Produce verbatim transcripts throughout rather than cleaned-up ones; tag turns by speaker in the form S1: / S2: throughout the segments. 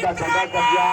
S1: का झंडा कब्जा।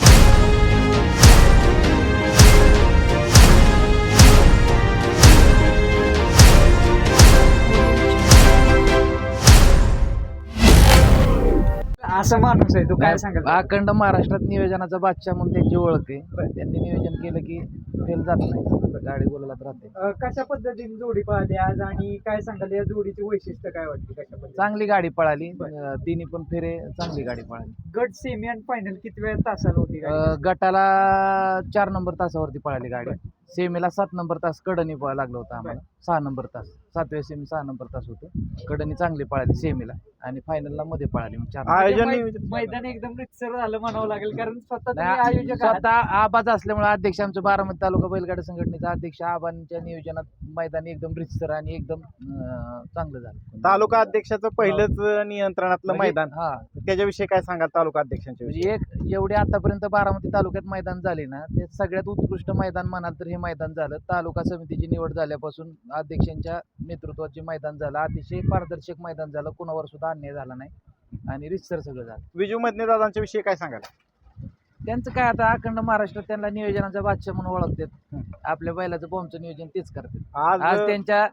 S2: असा माणूस आहे, तू काय सांगाल?
S3: अखंड महाराष्ट्रात नियोजनाचा बादशाह म्हणून त्यांची ओळख आहे. त्यांनी नियोजन केलं की फेल जात नाही, गाडी गोलात राहते.
S2: अं, कशा पद्धतीने जोडी पाहते आज आणि काय सांगाल या जोडीची वैशिष्ट्य काय वाटते? कशा पद्धतीने
S3: चांगली गाडी पळाली, अं, तिन्ही पण फेरे चांगली गाडी पळाली.
S2: गट सेमी आणि फायनल किती वेळ तासाला होती गाडी?
S3: अं, गटाला चार नंबर तासावरती पळाली गाडी. सेमीला सात नंबर तास कडनी पळा लागलं होतं आम्हाला. सहा नंबर तास सातव्या सेमी सहा नंबर तास होतं. कडनी चांगली पळाली सेमीला आणि फायनलला मध्ये पळाली मग चार.
S2: म्हणजे मै- मैदान एकदम रितसर झालं म्हणावं लागेल, कारण स्वतः तुम्ही
S3: नाही,
S2: आयोजक आहात.
S3: स्वतः आबाज असल्यामुळे अध्यक्ष आमचं बारामती तालुका बैलगाडा संघटनेचा अध्यक्ष आबांच्या नियोजनात मैदान एकदम रितसर आणि एकदम अं, चांगलं झालं.
S4: तालुका अध्यक्षाचं पहिलंच नियंत्रणातलं
S3: म्हणजे-
S4: मैदान,
S3: हा
S4: त्याच्याविषयी काय सांगाल तालुका अध्यक्षांच्या विषयी?
S3: म्हणजे एक एवढे आतापर्यंत बारामती तालुक्यात मैदान झाले ना, ते सगळ्यात उत्कृष्ट मैदान म्हणाल तर हे मैदान झालं. तालुका समितीची निवड झाल्यापासून अध्यक्षांच्या नेतृत्वाचे मैदान झालं. अतिशय पारदर्शक मैदान झालं, कुणावर सुद्धा अन्याय झाला नाही आणि रितसर सगळं झालं.
S4: विजू मधने दादांच्या विषयी काय सांगाल?
S3: त्यांचं काय आता अखंड महाराष्ट्रात त्यांना नियोजनाचा बादशाह म्हणून ओळखतात. आपल्या बैलाचं बॉम्बचं नियोजन तेच करतात.
S4: आज
S3: आज त्यांच्या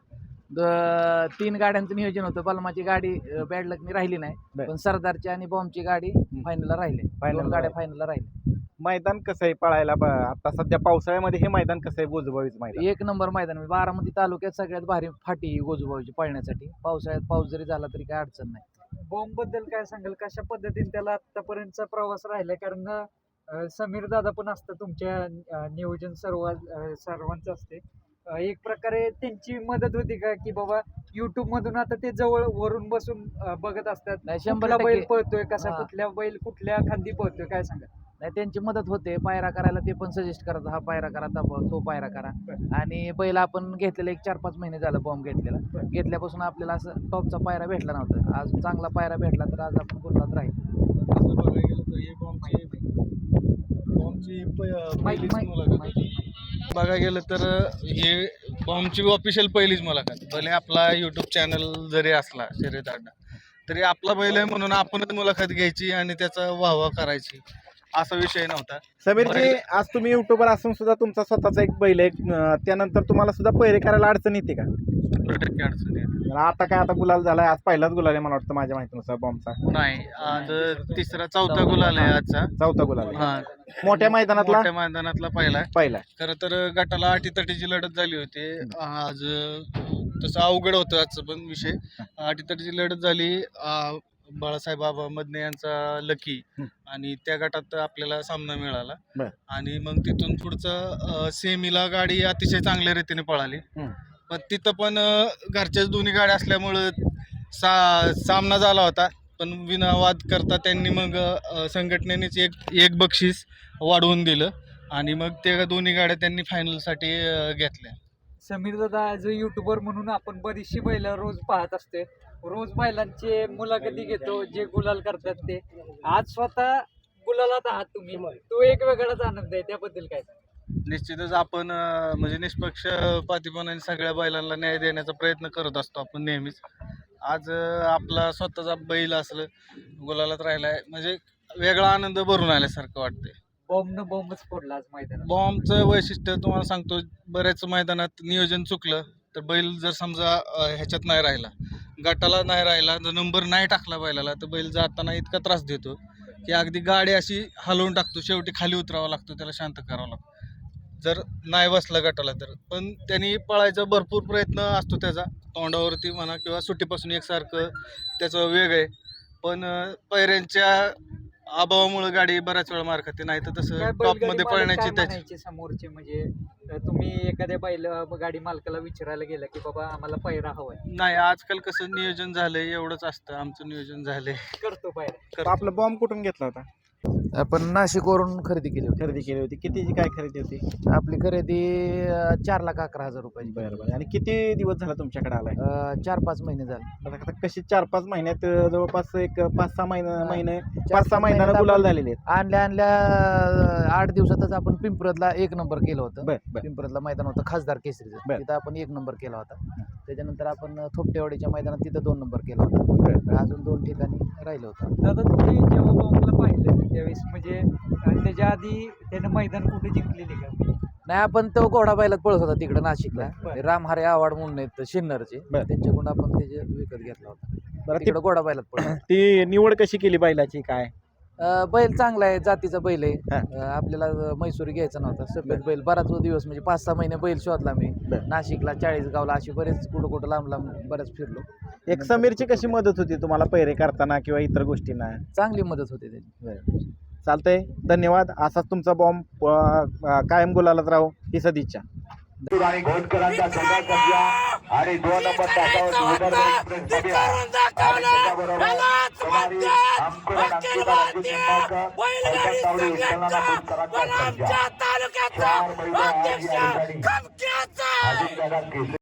S3: द- तीन गाड्यांचं नियोजन होतं. बलमाची गाडी बॅड लकनी राहिली नाही,
S4: बर.
S3: पण सरदारची आणि बॉम्बची गाडी फायनलला राहिली.
S4: Final
S3: दोन
S4: ला
S3: गाड्या
S4: राहिली.
S3: फायनलला राहिल्या.
S4: मैदान कसं आहे पळायला? ब- आता सध्या पावसाळ्यामध्ये हे मैदान कसं आहे, गोजूबावीचं मैदान?
S3: एक नंबर मैदान आहे. बारामती तालुक्यात सगळ्यात भारी फाटी ही गोजूबाईची पळण्यासाठी. पावसाळ्यात पाऊस जरी झाला तरी काय अडचण नाही.
S2: बॉम्ब बद्दल काय सांगाल? कशा पद्धतीने त्याला आतापर्यंतचा प्रवास राहिला? कारण अं, समीर दादा पण असतं तुमच्या अं, नियोजन सर्व अं, सर्वांचं असते. अं, एक प्रकारे त्यांची मदत होती का, की बाबा युट्यूब मधून आता ते जवळ वरून बसून अं, बघत असतात
S3: नाही, शंभर
S2: कुठला बैल
S3: टक्के.
S2: पळतोय, कसा
S3: हा.
S2: कुठल्या बैल कुठल्या खांदी पळतोय, काय सांगा?
S3: नाही, त्यांची मदत होते. पायरा करायला ते पण सजेस्ट करतात, हा पायरा करा, तो तो पायरा करा. आणि बैल आपण घेतलेला एक चार पाच महिने झालं बॉम्ब घेतलेला. घेतल्यापासून आपल्याला असं टॉपचा पायरा भेटला नव्हता. आज चांगला पायरा भेटला तर आज आपण गुलाबात राहील.
S5: असं बघायला गेलं तर हे बॉम्बची बॉम्बची प- पहिलीच
S2: माहिती-
S5: मुलाखत
S2: माहिती-
S5: आहे. बघायला गेलं तर हे बॉम्बची ऑफिशियल पहिलीच मुलाखत. भले आपला यूट्यूब चॅनल जरी असला शर्यत अड्डा, तरी आपला बैल आहे म्हणून आपणच मुलाखत घ्यायची आणि त्याचा वाहवा करायची असा विषय नव्हता.
S4: समीरजी, आज तुम्ही युट्यूबर असून सुद्धा तुमचा स्वतःचा एक बैल आहे, अं, त्यानंतर तुम्हाला सुद्धा पहिरे करायला अडचण येते का?
S5: शंभर टक्के अडचण येते.
S4: आता काय आता गुलाल झालाय, आज पहिलाच गुलाल आहे मला वाटतं माझ्या माहितीनुसार बॉम्बचा.
S5: नाही, आज तिसरा चौथा गुलाल आहे आजचा.
S4: चौथा गुलाल आहे.
S5: हा,
S4: मोठ्या मैदानातला
S5: मोठ्या मैदानातला पहिला आहे.
S4: पहिला.
S5: खरं तर गटाला अटीतटीची लढत झाली होती आज. तसं अवघड होतं आजचं पण विषय. अटीतटीची लढत झाली. अं, बाळासाहेब बाबा मदने यांचा लकी आणि त्या गटात आपल्याला सामना मिळाला.
S4: बर.
S5: आणि मग तिथून पुढचं सेमीला गाडी अतिशय चांगल्या रीतीने पळाली.
S4: हम्म.
S5: पण तिथं पण अं, घरच्याच दोन्ही गाड्या असल्यामुळं सा सामना झाला होता. पण विनावाद करता त्यांनी मग अं, संघटनेनेच एक एक बक्षीस वाढवून दिलं आणि मग त्या दोन्ही गाड्या त्यांनी फायनलसाठी अं, घेतल्या.
S2: समीर दादा ॲज अ युट्यूबर म्हणून आपण बरीचशी बैल रोज पाहत असते. रोज बैलांचे मुलाखती घेतो, जे गुलाल करतात ते. आज स्वतः गुलालात आहात तुम्ही, तो एक वेगळाच आनंद आहे. त्याबद्दल काय?
S5: निश्चितच आपण अं, म्हणजे निष्पक्षपातीपणाने सगळ्या बैलांना न्याय देण्याचा प्रयत्न करत असतो आपण नेहमीच. आज अं, आपला स्वतःचा बैल असलं गुलालात राहिलाय म्हणजे वेगळा आनंद भरून आल्यासारखं वाटतंय.
S2: बॉम्बनं बॉम्बच फोडला आज मैदानात.
S5: बॉम्बचं वैशिष्ट्य तुम्हाला सांगतो, बऱ्याच मैदानात नियोजन चुकलं तर बैल जर समजा अं, ह्याच्यात नाही राहिला, गटाला नाही राहिला, जर नंबर नाही टाकला बैलाला, तर बैल जाताना इतका त्रास देतो की अगदी गाडी अशी हलवून टाकतो. शेवटी खाली उतरावं लागतो, त्याला शांत करावं लागतं जर नाही बसला गटाला तर. पण त्यांनी पळायचा भरपूर प्रयत्न असतो त्याचा, तोंडावरती म्हणा किंवा सुट्टीपासून एकसारखं त्याचं वेग आहे. पण अं, पैऱ्यांच्या अभावामुळे गाडी बऱ्याच वेळा मार खाते. नाही तर
S2: काय
S5: तसं
S2: बैलगाडी
S5: टॉपमध्ये
S2: मालक
S5: पळण्याची
S2: काय
S5: त्याची
S2: म्हणायचे समोरचे? म्हणजे अं, तुम्ही एखाद्या बैल गाडी मालकाला विचारायला गेला की बाबा आम्हाला पैरा हवाय,
S5: नाही. आजकाल कसं नियोजन झालंय एवढंच असतं. आमचं नियोजन झालंय.
S2: करतो पैरा.
S5: करतो.
S4: आपला बॉम्ब कुठून घेतला होता?
S3: आपण नाशिकवरून खरेदी केली होती.
S4: खरेदी केली होती. कितीची काय खरेदी होती?
S3: आपली खरेदी अं, चार लाख अकरा हजार रुपयाची.
S4: बरं बरं. आणि किती दिवस झाला तुमच्याकडे आलाय?
S3: अं, चार पाच महिने झाले.
S4: आता कशी चार पाच महिन्यात अं, जवळपास एक पाच सहा महिने महिने
S3: चार
S4: पाच सहा महिन्याला
S3: महिन्यात
S4: गुलाल
S3: आपण
S4: झालेले आहेत.
S3: आणल्या आणल्या अं, आठ दिवसातच आपण पिंपरतला एक नंबर केलं होतं.
S4: बर बर.
S3: पिंपरतला मैदान होतं खासदार केसरीचं,
S4: बर.
S3: तिथं आपण एक नंबर केला होता. त्याच्यानंतर आपण थोपटेवाडीच्या मैदानात तिथं दोन नंबर केला होता. अजून दोन ठिकाणी राहिलो होता.
S2: दादा तुम्ही जेव्हा बॉम्बला पाहिलं त्यावेळेस म्हणजे अं, त्याच्या आधी त्यानं मैदान कुठे जिंकलेली का?
S3: नाही, आपण तो घोडा बैलात पळत होता तिकडे नाशिकला.
S2: बरं.
S3: रामहरे आवाड म्हणून आहेत शिन्नरचे,
S4: बरं.
S3: त्यांच्याकडून आपण त्याचे विकत घेतला होता.
S4: बरं, ती
S3: तिकडे घोडा बैलात पळत.
S4: ती निवड कशी केली बैलाची काय?
S3: अं, बैल चांगला आहे, जातीचा बैल आहे.
S4: हा.
S3: अं, आपल्याला म्हैसूरी घ्यायचा नव्हता, सफेद बैल. बराच दिवस म्हणजे पाच सहा महिने बैल शोधला मी.
S4: बरं.
S3: नाशिकला, चाळीसगावला, अशी बरेच कुठं कुठं लांब लांब बऱ्याच फिरलो.
S4: एक समीरची कशी मदत होती तुम्हाला पैरे करताना किंवा इतर गोष्टींना?
S3: चांगली मदत होते त्याची.
S4: चालतंय, धन्यवाद. असाच तुमचा बॉम्ब कायम गुलालात राहू ही सदिच्छा.
S1: आणि घोटकरांचा संघर्ष असला आणि दोन नंबर तासावर विदर्भ एक्सप्रेस मध्ये आहे. आणि त्याच्याबरोबर कुमारी अंकुरन अंकिता रणजित निंबाळकर, पैठण तावडी विठ्ठलनाना बोरकरांचा संघ. चार महिने आज या ठिकाणी अजिंक्यगड केसरी